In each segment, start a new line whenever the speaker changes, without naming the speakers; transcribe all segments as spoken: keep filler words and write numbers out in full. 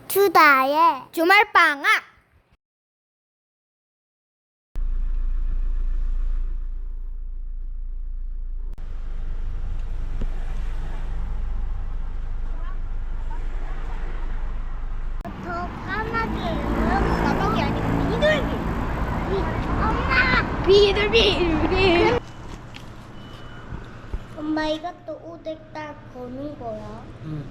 주다의 주말방학. 더 까마귀. 까마귀 아니고 비둘기. 엄마. 비둘기. 엄마 이것도 오뎅 딱 거는 거야.
응.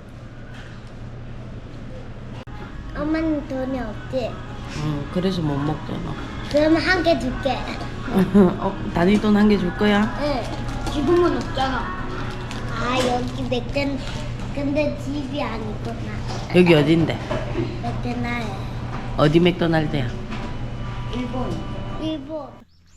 엄마는 돈이 없지?
응, 그래서 못 먹잖아.
그러면 한 개 줄게.
어, 단위돈 한 개 줄 거야?
응. 지금은 없잖아. 아 여기 맥된 근데 집이 아니구나.
여기 어딘데?
맥데나에.
어디 맥도날드야?
일본. 일본.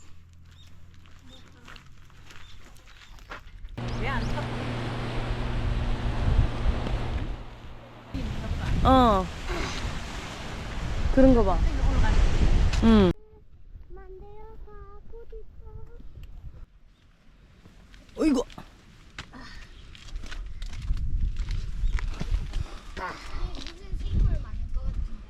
어. 그런 거 봐. 응. 어이구.
무슨 생물 많을 것 같은데.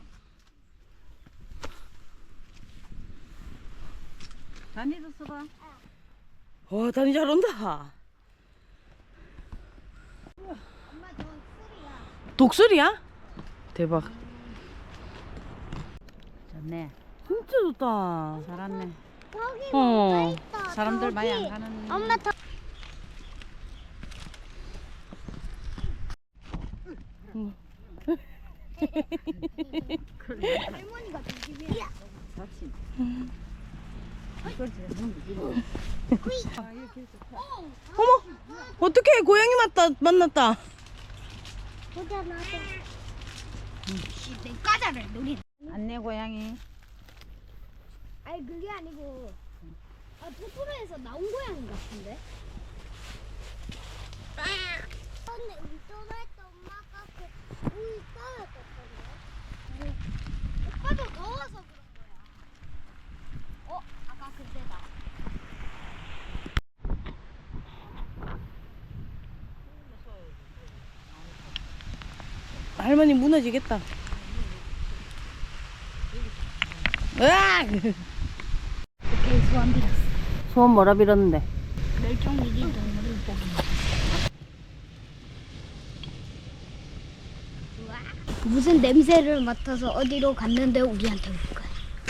단위도 써봐.
와, 단이 잘 온다.
엄마 저 술이야.
독수리야? 대박.
좋네.
진짜 좋다.
잘았네.
저기
어.
뭐가 있어.
사람들
저기.
많이 안 가는.
엄마 저. 할머니가 조심해.
다친.
어머, 어떡해. 고양이 맞다, 만났다.
보자 나도. 내 과자를 노리.
안내 고양이.
아니 그게 아니고 아 토토로에서 나온 고양이 같은데. 근데 운전할 때 엄마가 그 우유 떨어졌던데. 오빠도 더워서 그런 거야. 어 아까 그때다.
할머니 무너지겠다. 으악!
오케이 소원 빌었어.
소원 뭐라 빌었는데?
멸종위기 동물을 보기. 무슨 냄새를 맡아서 어디로 갔는데 우리한테 올 거야.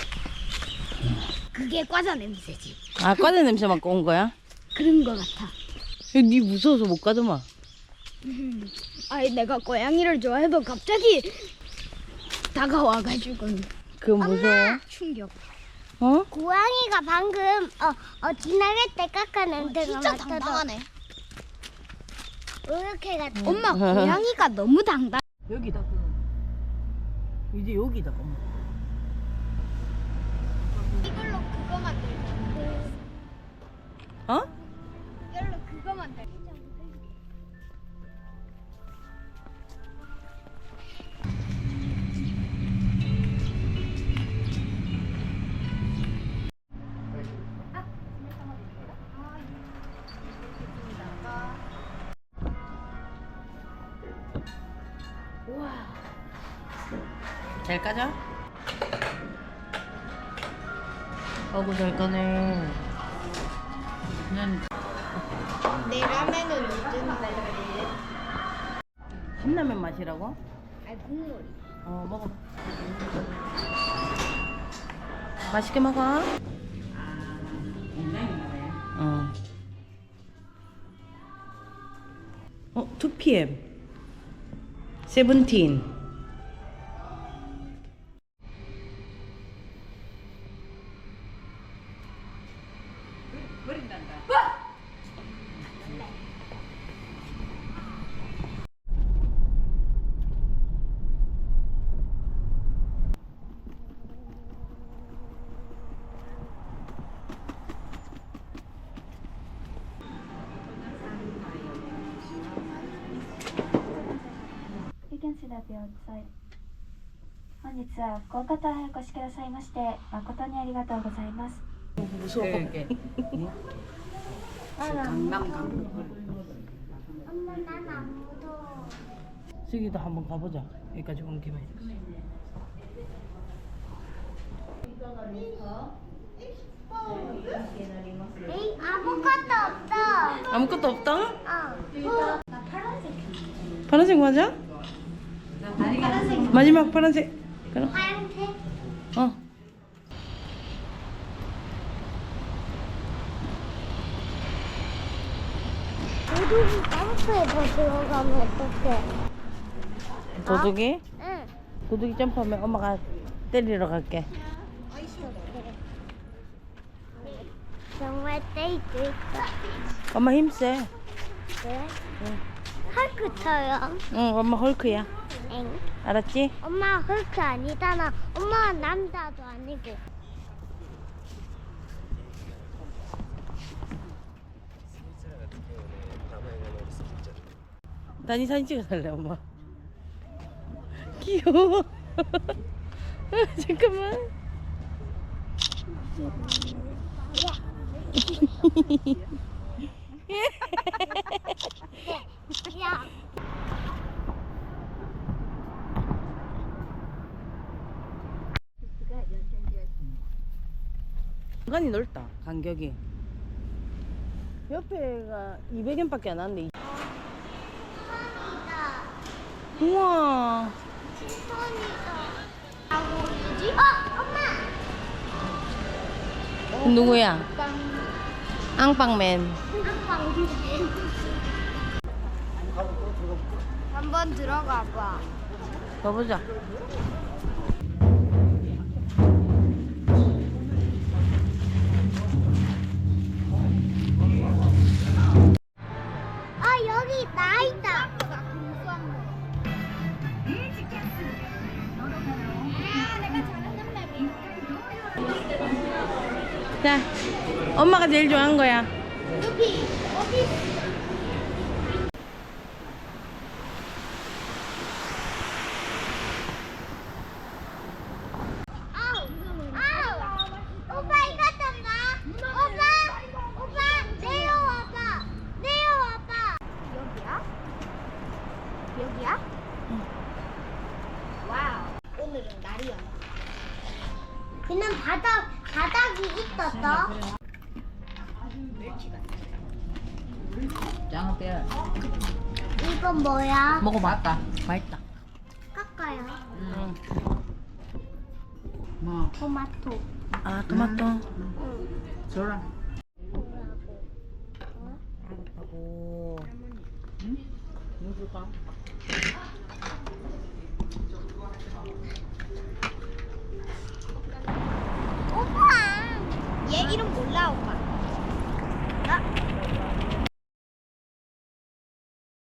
그게 과자 냄새지.
아, 과자 냄새 맡고 온 거야?
그런 거 같아.
니 무서워서 못 가더만.
아니 내가 고양이를 좋아해도 갑자기 다가와가지고
그건 무서워.
충격.
어?
고양이가 방금 어, 어 지나갈 때 깎아 냄새가 맡아서 진짜 당당하네. 이렇게 같아. 엄마 고양이가 너무 당당.
여기다. 이제 여기다. 엄마.
이걸로 그거 만들자.
어?
이걸로 그거 만들자.
잘 까져? 어구 잘 까네.
그냥
내 라면은 요즘
신라면 맛이라고?
아니 국물이.
어, 먹어. 맛있게 먹어. 어. 어, 투 피엠. 세븐틴.
You can see that outside. 本日は福岡島へお越しくださいまして誠にありがとうございます。
무서워.
이렇게 강남 강.
엄마 난 안 무서워.
저기도 한번 가보자. 여기까지 온 김에.
에이, 아무것도 없어.
아무것도 없다?
어. 나 파란색.
파란색 맞아?
파란색.
마지막 파란색. 그럼.
하얀색.
어.
도둑이 점프해서 들어가면 어떡해?
도둑이?
응.
도둑이 점프하면 엄마가 때리러 갈게.
정말 떼이도 있어.
엄마 힘세.
그래?
응.
헐크처럼.
응, 엄마 헐크야.
엥.
알았지?
엄마 헐크 아니잖아. 엄마 남자도 아니고.
다니 사진 찍어달래 엄마. 귀여워. 잠깐만.
야.
공간이 넓다. 간격이. 옆에가 이백 엔밖에 안 하는데.
천이다.
우와.
천이다. 하고 뭐지? 어, 엄마.
누구야?
빵.
앙빵맨.
빵. 한번 들어가 봐.
가보자.
아, 여기 나 있다.
자, 엄마가 제일 좋아하는 거야.
여기 어디? 아우, 아우, 오빠 이거 좀 봐. 오빠, 오빠 내려와봐. 내려와봐. 여기야? 여기야? 와우. 오늘은 날이야. 그냥 바닥 바닥이 있었어.
장어 빼.
이건 뭐야?
먹어봤다. 맛있다.
깎아요.
응.
뭐
토마토.
아, 토마토.
응.
줘라.
알았다고.
응? 뭐 줄까?
오빠. 얘 이름 몰라 오빠. 나